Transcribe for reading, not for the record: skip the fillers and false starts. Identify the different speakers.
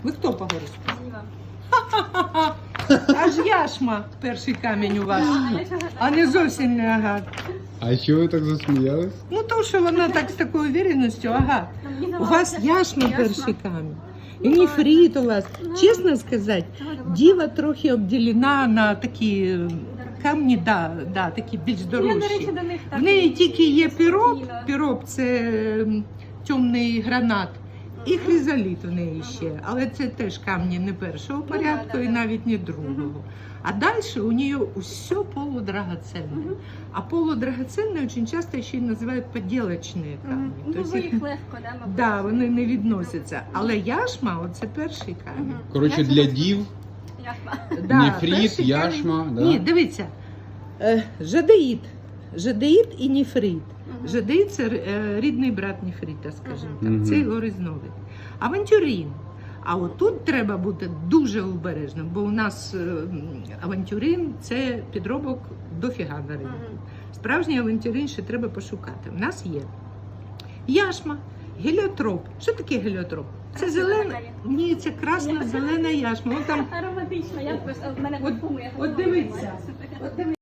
Speaker 1: Ви хто по гороскопу?
Speaker 2: Діва.
Speaker 1: Аж яшма перший камінь у вас. А не зовсім не агат.
Speaker 3: А що ви так засміялись?
Speaker 1: Ну то, що вона так з такою уверенністю, агат. У вас яшма перший камінь. І нефрит у вас. Чесно сказати, діва трохи обділена на такі камні, такі більш
Speaker 2: Я, до
Speaker 1: дорожчі.
Speaker 2: речі, до них так.
Speaker 1: В неї тільки є піроп,
Speaker 2: зрозуміла.
Speaker 1: піроп це темний гранат, і хризоліт у неї ще. Але це теж камні не першого порядку і навіть не другого. А дальше у нее все полудрагоценное. А полудрагоценные очень часто еще и называют подделочные камни.
Speaker 2: Ну,
Speaker 1: То есть
Speaker 2: ви
Speaker 1: їх-
Speaker 2: їх легко, да, мабуть?
Speaker 1: да, вони не відносяться. Але яшма, оце перший камінь.
Speaker 2: Мгм.
Speaker 3: Коротше,
Speaker 2: Я
Speaker 3: для
Speaker 2: цього-
Speaker 3: дів
Speaker 2: Яшма.
Speaker 1: Да,
Speaker 3: нефрит,
Speaker 1: перший
Speaker 3: яшма,
Speaker 1: камінь.
Speaker 3: да?
Speaker 1: Ні, дивіться. Жадеїд. Жадеїд і нефрит. Жадеїд – це рідний брат нефрита, скажімо так.
Speaker 3: Мгм.
Speaker 1: Це його різновид. Авантюрин. А отут треба бути дуже обережним, бо у нас авантюрин – це підробок дофіга на ринку. Справжній авантюрин ще треба пошукати. У нас є яшма, геліотроп. Що таке геліотроп? Це зелена. Ні, це красна зелена яшма. Вон там
Speaker 2: Ароматична, я просто в мене
Speaker 1: От-
Speaker 2: парфуми, я
Speaker 1: от
Speaker 2: хотіла
Speaker 1: дивіться.
Speaker 2: знімати.
Speaker 1: От дивіться.